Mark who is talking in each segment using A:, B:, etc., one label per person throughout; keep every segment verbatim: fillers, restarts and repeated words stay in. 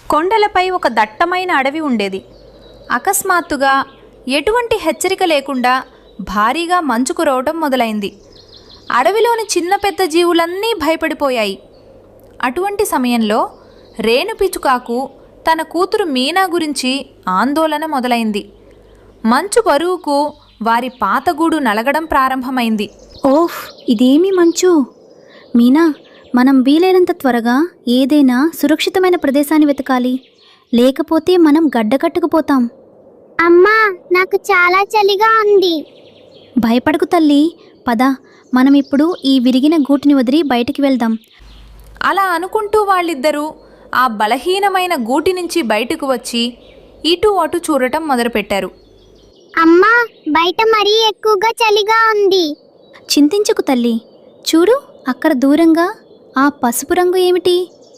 A: కొండలపై ఒక దట్టమైన అడవి ఉండేది. అకస్మాత్తుగా ఎటువంటి హెచ్చరిక లేకుండా భారీగా మంచు కురవటం మొదలైంది. అడవిలోని చిన్న పెద్ద జీవులన్నీ భయపడిపోయాయి. అటువంటి సమయంలో రేణుపిచుకాకు తన కూతురు మీనా గురించి ఆందోళన మొదలైంది. మంచు బరువుకు వారి పాతగూడు నలగడం ప్రారంభమైంది.
B: ఓహ్, ఇదేమి మంచు! మీనా, మనం వీలైనంత త్వరగా ఏదైనా సురక్షితమైన ప్రదేశాన్ని వెతకాలి, లేకపోతే మనం గడ్డకట్టుకుపోతాం.
C: అమ్మా, నాకు చాలా చలిగా ఉంది.
B: భయపడకు తల్లి, పద, మనం ఇప్పుడు ఈ విరిగిన గూటిని వదిలి బయటికి వెళ్దాం.
A: అలా అనుకుంటూ వాళ్ళిద్దరూ ఆ బలహీనమైన గూటి నుంచి బయటకు వచ్చి ఇటు అటు చూడటం మొదలుపెట్టారు.
C: అమ్మా, బయట మరీ ఎక్కువగా చలిగా ఉంది.
B: చింతించకు తల్లి, చూడు అక్కడ దూరంగా ఆ పసుపు రంగు ఏమిటి?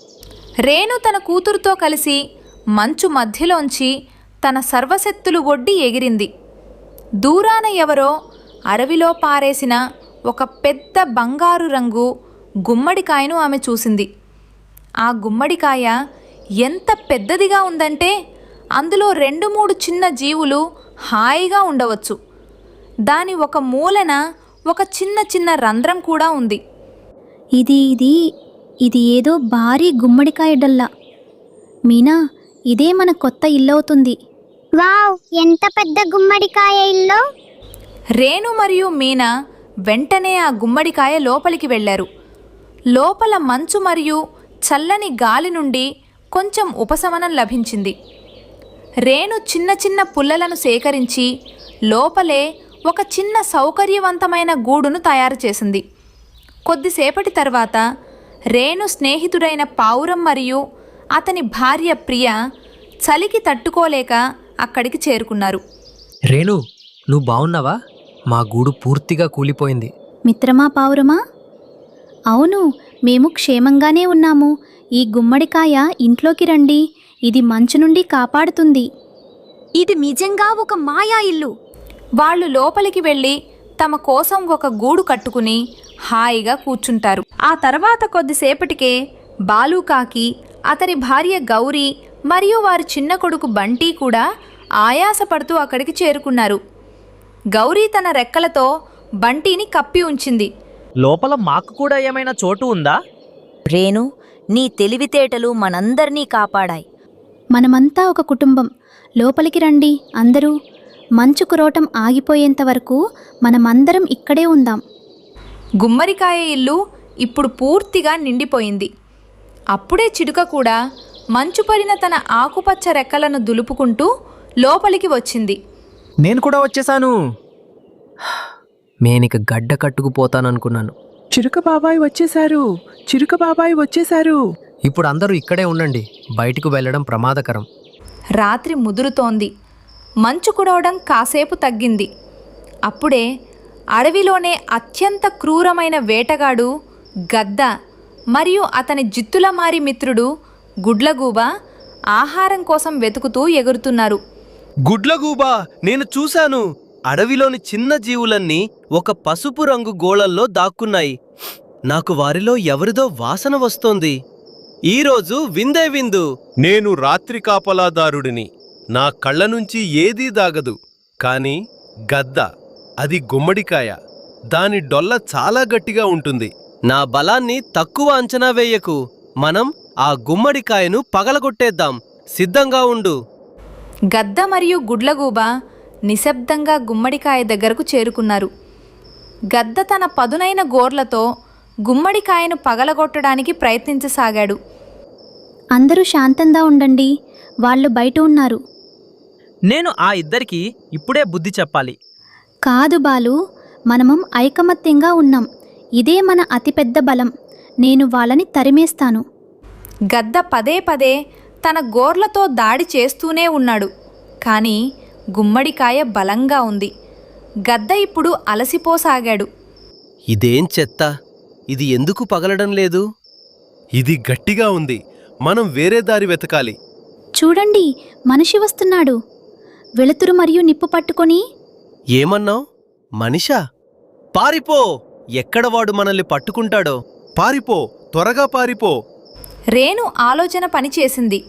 A: రేణు తన కూతురుతో కలిసి మంచు మధ్యలోంచి తన సర్వశక్తులు ఒడ్డి ఎగిరింది. దూరాన ఎవరో అడవిలో పారేసిన ఒక పెద్ద బంగారు రంగు గుమ్మడికాయను ఆమె చూసింది. ఆ గుమ్మడికాయ ఎంత పెద్దదిగా ఉందంటే అందులో రెండు మూడు చిన్న జీవులు హాయిగా ఉండవచ్చు. దాని ఒక మూలన ఒక చిన్న చిన్న రంధ్రం కూడా ఉంది.
B: ఇది ఇది ఇది ఏదో భారీ గుమ్మడికాయ డల్లా. మీనా, ఇదే మన కొత్త ఇల్లవుతుంది.
C: వావ్, ఎంత పెద్ద గుమ్మడికాయ ఇల్లు!
A: రేణు మరియు మీనా వెంటనే ఆ గుమ్మడికాయ లోపలికి వెళ్ళారు. లోపల మంచు మరియు చల్లని గాలి నుండి కొంచెం ఉపశమనం లభించింది. రేణు చిన్న చిన్న పుల్లలను సేకరించి లోపలే ఒక చిన్న సౌకర్యవంతమైన గూడును తయారు చేసింది. కొద్దిసేపటి తర్వాత రేణు స్నేహితుడైన పావురం మరియు అతని భార్య ప్రియ చలికి తట్టుకోలేక అక్కడికి చేరుకున్నారు.
D: రేణు, నువ్వు బావున్నావా? మా గూడు పూర్తిగా కూలిపోయింది.
B: మిత్రమా పావురమా? అవును, మేము క్షేమంగానే ఉన్నాము. ఈ గుమ్మడికాయ ఇంట్లోకి రండి, ఇది మంచు నుండి కాపాడుతుంది.
E: ఇది నిజంగా ఒక మాయా ఇల్లు.
A: వాళ్ళు లోపలికి వెళ్ళి తమ కోసం ఒక గూడు కట్టుకుని హాయిగా కూర్చుంటారు. ఆ తర్వాత కొద్దిసేపటికే బాలుకాకి, అతని భార్య గౌరీ మరియు వారి చిన్న కొడుకు బంటి కూడా ఆయాసపడుతూ అక్కడికి చేరుకున్నారు. గౌరీ తన రెక్కలతో బంటిని కప్పి ఉంచింది.
F: లోపల మాకు కూడా ఏమైనా చోటు ఉందా?
E: రేణు, నీ తెలివితేటలు మనందర్నీ కాపాడాయి.
B: మనమంతా ఒక కుటుంబం. లోపలికి రండి అందరూ. మంచు కురవటం ఆగిపోయేంత వరకు మనమందరం ఇక్కడే ఉందాం.
A: గుమ్మడికాయ ఇల్లు ఇప్పుడు పూర్తిగా నిండిపోయింది. అప్పుడే చిలుక కూడా మంచు పడిన తన ఆకుపచ్చ రెక్కలను దులుపుకుంటూ లోపలికి వచ్చింది.
G: నేను కూడా వచ్చేసాను.
D: నేనిక గడ్డ కట్టుకుపోతాననుకున్నాను.
H: చిరుక బాబాయ్ వచ్చేశారు. చిరుక బాబాయ్ వచ్చేశారు.
D: ఇప్పుడు అందరూ ఇక్కడే ఉండండి, బయటికి వెళ్ళడం ప్రమాదకరం.
A: రాత్రి ముదురుతోంది. మంచు కురవడం కాసేపు తగ్గింది. అప్పుడే అడవిలోనే అత్యంత క్రూరమైన వేటగాడు గద్ద మరియు అతని జిత్తులమారి మిత్రుడు గుడ్లగూబ ఆహారం కోసం వెతుకుతూ ఎగురుతున్నారు.
I: గుడ్లగూబా, నేను చూశాను. అడవిలోని చిన్న జీవులన్నీ ఒక పసుపు రంగు గోళల్లో దాక్కున్నాయి. నాకు వారిలో ఎవరిదో వాసన వస్తోంది. ఈరోజు విందే విందు. నేను రాత్రి కాపలాదారుడిని. నా కళ్ళ నుంచి ఏదీ దాగదు. కాని గద్ద, అది గుమ్మడికాయ. దాని డొల్ల చాలా గట్టిగా ఉంటుంది. నా బలాన్ని తక్కువ అంచనా వేయకు. మనం ఆ గుమ్మడికాయను పగలగొట్టేద్దాం. సిద్ధంగా ఉండు.
A: గద్ద మరియు గుడ్లగూబ నిశ్శబ్దంగా గుమ్మడికాయ దగ్గరకు చేరుకున్నారు. గద్ద తన పదునైన గోర్లతో గుమ్మడికాయను పగలగొట్టడానికి ప్రయత్నించసాగాడు.
B: అందరూ శాంతంగా ఉండండి, వాళ్ళు బయట ఉన్నారు.
F: నేను ఆ ఇద్దరికి ఇప్పుడే బుద్ధి చెప్పాలి.
B: కాదు బాలు, మనమం ఐకమత్యంగా ఉన్నాం. ఇదే మన అతిపెద్ద బలం. నేను వాళ్ళని తరిమేస్తాను.
A: గద్ద పదే పదే తన గోర్లతో దాడి చేస్తూనే ఉన్నాడు. కానీ గుమ్మడికాయ బలంగా ఉంది. గద్ద ఇప్పుడు అలసిపోసాగాడు.
I: ఇదేం చెత్త! ఇది ఎందుకు పగలడం లేదు? ఇది గట్టిగా ఉంది. మనం వేరే దారి వెతకాలి.
B: చూడండి, మనిషి వస్తున్నాడు. వెలుతురు మరియు నిప్పు పట్టుకొని.
I: ఏమన్నావ్? మనిషా? పారిపో! ఎక్కడ వాడు మనల్ని పట్టుకుంటాడో. పారిపో, త్వరగా పారిపో.
A: రేణు ఆలోచన పనిచేసింది.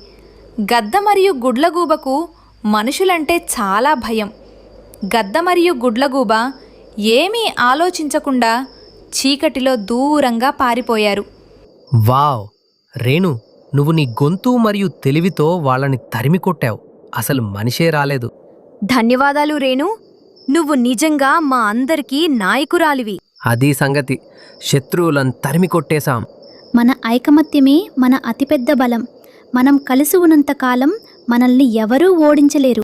A: గద్ద మరియు గుడ్లగూబకు మనుషులంటే చాలా భయం. గద్ద మరియు గుడ్లగూబ ఏమీ ఆలోచించకుండా చీకటిలో దూరంగా పారిపోయారు.
D: వావ్ రేణు, నువ్వు నీ గొంతు మరియు తెలివితో వాళ్ళని తరిమి కొట్టావు. అసలు మనిషే రాలేదు.
E: ధన్యవాదాలు రేణు, నువ్వు నిజంగా మా అందరికీ నాయకురాలివి.
D: అదీ సంగతి. శత్రువులను తరిమి కొట్టేశాం.
B: మన ఐకమత్యమే మన అతిపెద్ద బలం. మనం కలిసి ఉన్నంతకాలం మనల్ని ఎవరూ ఓడించలేరు.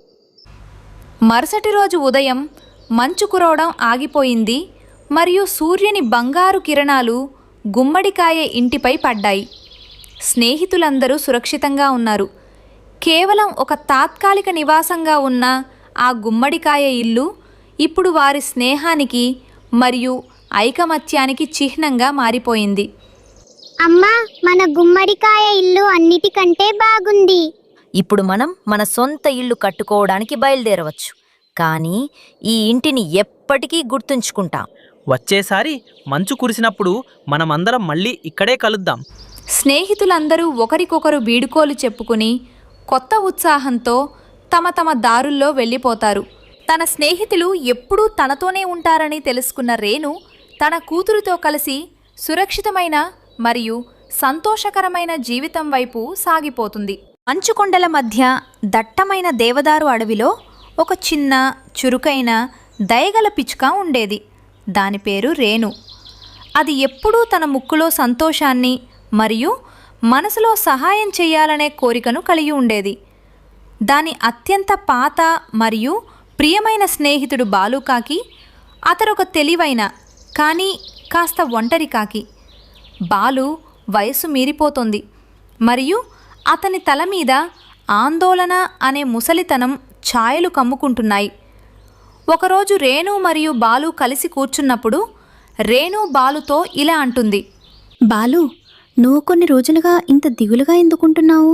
A: మరుసటి రోజు ఉదయం మంచు కురవడం ఆగిపోయింది మరియు సూర్యుని బంగారు కిరణాలు గుమ్మడికాయ ఇంటిపై పడ్డాయి. స్నేహితులందరూ సురక్షితంగా ఉన్నారు. కేవలం ఒక తాత్కాలిక నివాసంగా ఉన్న ఆ గుమ్మడికాయ ఇల్లు ఇప్పుడు వారి స్నేహానికి మరియు ఐకమత్యానికి చిహ్నంగా మారిపోయింది.
C: అమ్మా, మన గుమ్మడికాయ ఇల్లు అన్నిటికంటే బాగుంది.
E: ఇప్పుడు మనం మన సొంత ఇల్లు కట్టుకోవడానికి బయలుదేరవచ్చు. కానీ ఈ ఇంటిని ఎప్పటికీ గుర్తుంచుకుంటాం.
F: వచ్చేసారి మంచు కురిసినప్పుడు మనమందరం మళ్ళీ ఇక్కడే కలుద్దాం.
A: స్నేహితులందరూ ఒకరికొకరు వీడుకోలు చెప్పుకుని కొత్త ఉత్సాహంతో తమ తమ దారుల్లో వెళ్ళిపోతారు. తన స్నేహితులు ఎప్పుడూ తనతోనే ఉంటారని తెలుసుకున్న రేణు తన కూతురుతో కలిసి సురక్షితమైన మరియు సంతోషకరమైన జీవితం వైపు సాగిపోతుంది. మంచుకొండల మధ్య దట్టమైన దేవదారు అడవిలో ఒక చిన్న చురుకైన దయగల పిచ్చుక ఉండేది. దాని పేరు రేణు. అది ఎప్పుడూ తన ముక్కులో సంతోషాన్ని మరియు మనసులో సహాయం చేయాలనే కోరికను కలిగి ఉండేది. దాని అత్యంత పాత మరియు ప్రియమైన స్నేహితుడు బాలుకాకి. అతడొక తెలివైన కానీ కాస్త ఒంటరి కాకి. బాలు వయసు మీరిపోతోంది మరియు అతని తల మీద ఆందోళన అనే ముసలితనం ఛాయలు కమ్ముకుంటున్నాయి. ఒకరోజు రేణు మరియు బాలు కలిసి కూర్చున్నప్పుడు రేణు బాలుతో ఇలా అంటుంది.
B: బాలు, నువ్వు కొన్ని రోజులుగా ఇంత దిగులుగా ఎందుకుంటున్నావు?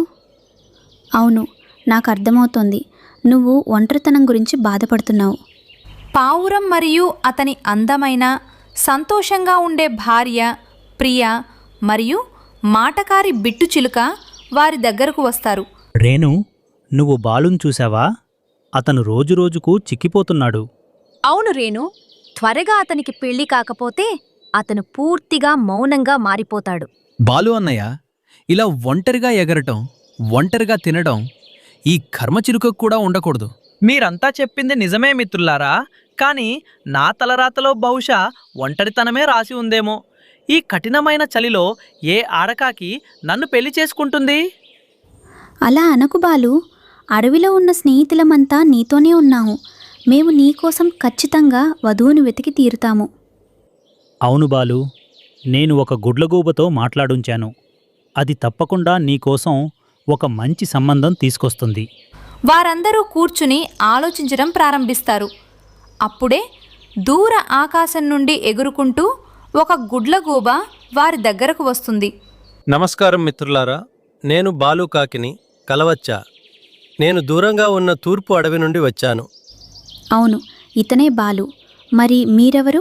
B: అవును, నాకు అర్థమవుతోంది. నువ్వు ఒంటరితనం గురించి బాధపడుతున్నావు.
A: పావురం మరియు అతని అందమైన సంతోషంగా ఉండే భార్య ప్రియ మరియు మాటకారి బిట్టు చిలుక వారి దగ్గరకు వస్తారు.
J: రేణు, నువ్వు బాలుని చూసావా? అతను రోజురోజుకు చిక్కిపోతున్నాడు.
E: అవును రేణు, త్వరగా అతనికి పెళ్లి కాకపోతే అతను పూర్తిగా మౌనంగా మారిపోతాడు.
K: బాలు అన్నయ్య, ఇలా ఒంటరిగా ఎగరటం, ఒంటరిగా తినడం ఈ కర్మచిలుకకు కూడా ఉండకూడదు.
F: మీరంతా చెప్పింది నిజమే మిత్రులారా, కానీ నా తలరాతలో బహుశా ఒంటరితనమే రాసి ఉందేమో. ఈ కఠినమైన చలిలో ఏ ఆడకాకి నన్ను పెళ్లి చేసుకుంటుంది?
B: అలా అనకు బాలు. అడవిలో ఉన్న స్నేహితులమంతా నీతోనే ఉన్నాము. మేము నీకోసం ఖచ్చితంగా వధువును వెతికి తీరుతాము.
J: అవును బాలు, నేను ఒక గుడ్లగూబతో మాట్లాడుంచాను. అది తప్పకుండా నీకోసం ఒక మంచి సంబంధం తీసుకొస్తుంది.
A: వారందరూ కూర్చుని ఆలోచించడం ప్రారంభిస్తారు. అప్పుడే దూర ఆకాశం నుండి ఎగురుకుంటూ ఒక గుడ్లగూబ వారి దగ్గరకు వస్తుంది.
I: నమస్కారం మిత్రులారా, నేను బాలుకాకిని. కలవచ్చా? నేను దూరంగా ఉన్న తూర్పు అడవి నుండి వచ్చాను.
B: అవును, ఇతనే బాలు. మరి మీరెవరు?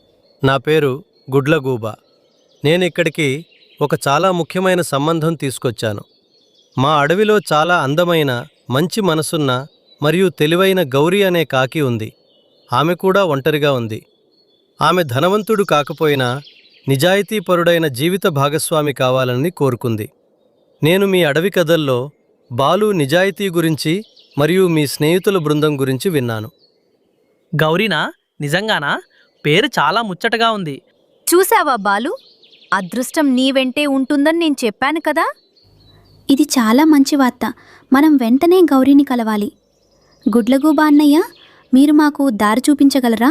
I: నా పేరు గుడ్లగూబ. నేను ఇక్కడికి ఒక చాలా ముఖ్యమైన సంబంధం తీసుకొచ్చాను. మా అడవిలో చాలా అందమైన, మంచి మనసున్న మరియు తెలివైన గౌరీ అనే కాకి ఉంది. ఆమె కూడా ఒంటరిగా ఉంది. ఆమె ధనవంతుడు కాకపోయినా నిజాయితీపరుడైన జీవిత భాగస్వామి కావాలని కోరుకుంది. నేను మీ అడవి కథల్లో బాలు నిజాయితీ గురించి మరియు మీ స్నేహితుల బృందం గురించి విన్నాను.
F: గౌరీనా? నిజంగానా? పేరు చాలా ముచ్చటగా ఉంది.
E: చూసావా బాలు, అదృష్టం నీ వెంటే ఉంటుందని నేను చెప్పాను కదా.
B: ఇది చాలా మంచి వార్త. మనం వెంటనే గౌరీని కలవాలి. గుడ్లగూబ అన్నయ్య, మీరు మాకు దారి చూపించగలరా?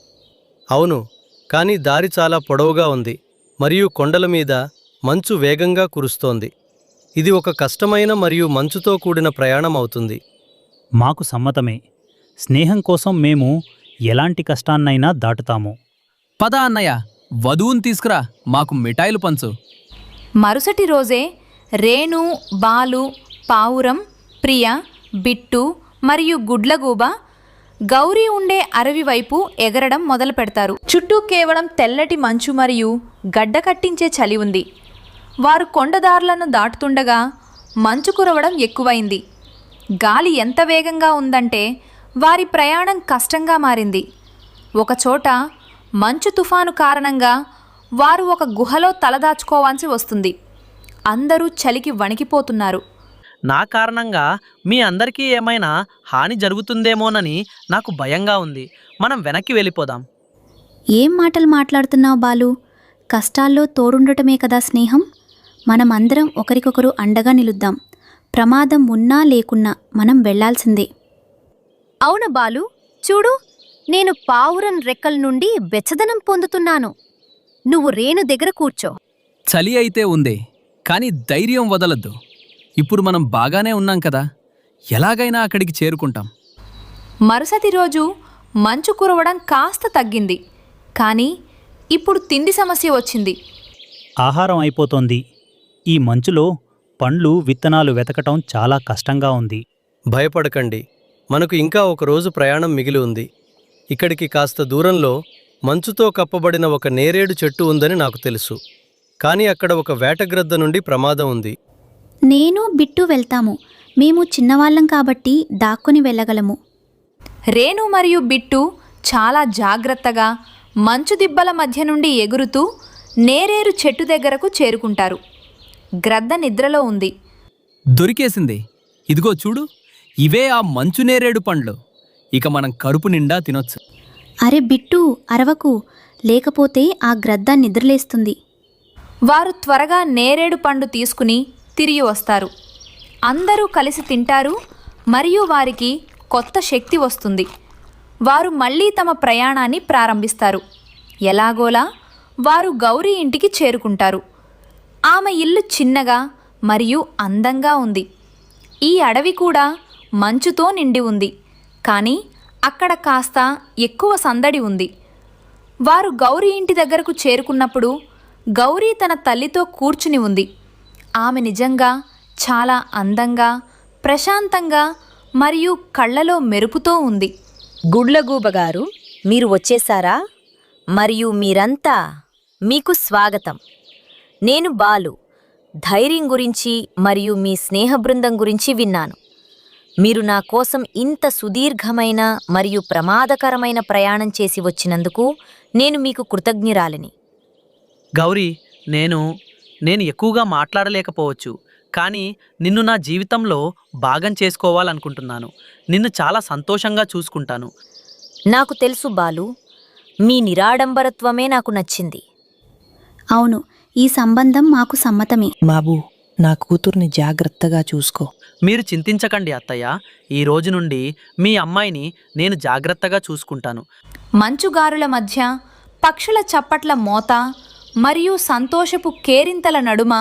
I: అవును, కానీ దారి చాలా పొడవుగా ఉంది మరియు కొండల మీద మంచు వేగంగా కురుస్తోంది. ఇది ఒక కష్టమైన మరియు మంచుతో కూడిన ప్రయాణం అవుతుంది.
J: మాకు సమ్మతమే. స్నేహం కోసం మేము ఎలాంటి కష్టాన్నైనా దాటుతాము.
K: పద అన్నయ్య, వధువుని తీసుకురా, మాకు మిఠాయిలు పంచు.
A: మరుసటి రోజే రేణు, బాలు, పావురం, ప్రియ, బిట్టు మరియు గుడ్లగూబ గౌరీ ఉండే అడవి వైపు ఎగరడం మొదలు పెడతారు. చుట్టూ కేవలం తెల్లటి మంచు మరియు గడ్డ కట్టించే చలి ఉంది. వారు కొండదారులను దాటుతుండగా మంచు కురవడం ఎక్కువైంది. గాలి ఎంత వేగంగా ఉందంటే వారి ప్రయాణం కష్టంగా మారింది. ఒకచోట మంచు తుఫాను కారణంగా వారు ఒక గుహలో తలదాచుకోవాల్సి వస్తుంది. అందరూ చలికి వణికిపోతున్నారు.
F: నా కారణంగా మీ అందరికీ ఏమైనా హాని జరుగుతుందేమోనని నాకు భయంగా ఉంది. మనం వెనక్కి వెళ్ళిపోదాం.
B: ఏం మాటలు మాట్లాడుతున్నావు బాలు? కష్టాల్లో తోడుండటమే కదా స్నేహం. మనమందరం ఒకరికొకరు అండగా నిలుద్దాం. ప్రమాదం ఉన్నా లేకున్నా మనం వెళ్లాల్సిందే.
E: అవును బాలు, చూడు, నేను పావురం రెక్కల నుండి వెచ్చదనం పొందుతున్నాను. నువ్వు రేణు దగ్గర కూర్చో.
K: చలి అయితే ఉంది, కానీ ధైర్యం వదలద్దు. ఇప్పుడు మనం బాగానే ఉన్నాం కదా, ఎలాగైనా అక్కడికి చేరుకుంటాం.
A: మరుసటి రోజు మంచు కురవడం కాస్త తగ్గింది. కానీ ఇప్పుడు తిండి సమస్య వచ్చింది.
J: ఆహారం అయిపోతోంది. ఈ మంచులో పండ్లు విత్తనాలు వెతకటం చాలా కష్టంగా ఉంది.
I: భయపడకండి, మనకు ఇంకా ఒక రోజు ప్రయాణం మిగిలి ఉంది. ఇక్కడికి కాస్త దూరంలో మంచుతో కప్పబడిన ఒక నేరేడు చెట్టు ఉందని నాకు తెలుసు. కానీ అక్కడ ఒక వేటగ్రద్ద నుండి ప్రమాదం ఉంది.
B: నేను బిట్టు వెళ్తాము. మేము చిన్నవాళ్ళం కాబట్టి దాక్కుని వెళ్ళగలము.
A: రేణు మరియు బిట్టు చాలా జాగ్రత్తగా మంచు దిబ్బల మధ్య నుండి ఎగురుతూ నేరేరు చెట్టు దగ్గరకు చేరుకుంటారు. గ్రద్ద నిద్రలో ఉంది.
K: దొరికేసింది. ఇదిగో చూడు, ఇవే ఆ మంచు నేరేడు పండ్లు. ఇక మనం కడుపు నిండా తినొచ్చు.
B: అరే బిట్టు, అరవకు, లేకపోతే ఆ గ్రద్ద నిద్రలేస్తుంది.
A: వారు త్వరగా నేరేడు పండు తీసుకుని తిరిగి వస్తారు. అందరూ కలిసి తింటారు మరియు వారికి కొత్త శక్తి వస్తుంది. వారు మళ్ళీ తమ ప్రయాణాన్ని ప్రారంభిస్తారు. ఎలాగోలా వారు గౌరీ ఇంటికి చేరుకుంటారు. ఆమె ఇల్లు చిన్నగా మరియు అందంగా ఉంది. ఈ అడవి కూడా మంచుతో నిండి ఉంది, కానీ అక్కడ కాస్త ఎక్కువ సందడి ఉంది. వారు గౌరీ ఇంటి దగ్గరకు చేరుకున్నప్పుడు గౌరీ తన తల్లితో కూర్చుని ఉంది. ఆమె నిజంగా చాలా అందంగా, ప్రశాంతంగా మరియు కళ్ళలో మెరుపుతో ఉంది.
E: గుడ్లగూబగారు, మీరు వచ్చేశారా? మరియు మీరంతా, మీకు స్వాగతం. నేను బాలు. ధైర్యం గురించి మరియు మీ స్నేహ బృందం గురించి విన్నాను. మీరు నా కోసం ఇంత సుదీర్ఘమైన మరియు ప్రమాదకరమైన ప్రయాణం చేసి వచ్చినందుకు నేను మీకు కృతజ్ఞురాలిని.
F: గౌరీ, నేను నేను ఎక్కువగా మాట్లాడలేకపోవచ్చు, కానీ నిన్ను నా జీవితంలో భాగం చేసుకోవాలనుకుంటున్నాను. నిన్ను చాలా సంతోషంగా చూసుకుంటాను.
E: నాకు తెలుసు బాలు, మీ నిరాడంబరత్వమే నాకు నచ్చింది.
B: అవును, ఈ సంబంధం మాకు సమ్మతమే.
H: బాబు, నా కూతుర్ని జాగ్రత్తగా చూసుకో.
F: మీరు చింతించకండి అత్తయ్య. ఈ రోజు నుండి మీ అమ్మాయిని నేను జాగ్రత్తగా చూసుకుంటాను.
A: మంచుగారుల మధ్య పక్షుల చప్పట్ల మోత మరియు సంతోషపు కేరింతల నడుమ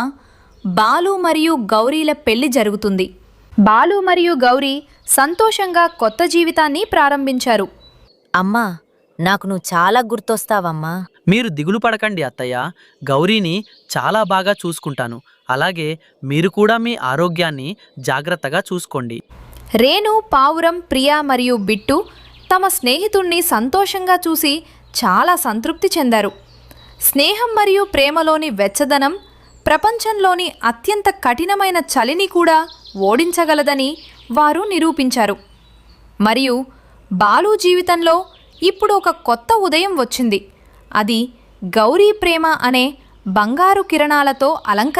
A: బాలు మరియు గౌరీల పెళ్లి జరుగుతుంది. బాలు మరియు గౌరీ సంతోషంగా కొత్త జీవితాన్ని ప్రారంభించారు.
E: అమ్మా, నాకు నువ్వు చాలా గుర్తొస్తావమ్మా.
F: మీరు దిగులు పడకండి అత్తయ్య. గౌరీని చాలా బాగా చూసుకుంటాను. అలాగే మీరు కూడా మీ ఆరోగ్యాన్ని జాగ్రత్తగా చూసుకోండి.
A: రేణు, పావురం, ప్రియా మరియు బిట్టు తమ స్నేహితుణ్ణి సంతోషంగా చూసి చాలా సంతృప్తి చెందారు. స్నేహం మరియు ప్రేమలోని వెచ్చదనం ప్రపంచంలోని అత్యంత కఠినమైన చలిని కూడా ఓడించగలదని వారు నిరూపించారు. మరియు బాలు జీవితంలో ఇప్పుడు ఒక కొత్త ఉదయం వచ్చింది. అది గౌరీ ప్రేమ అనే బంగారు కిరణాలతో అలంకరించబడింది.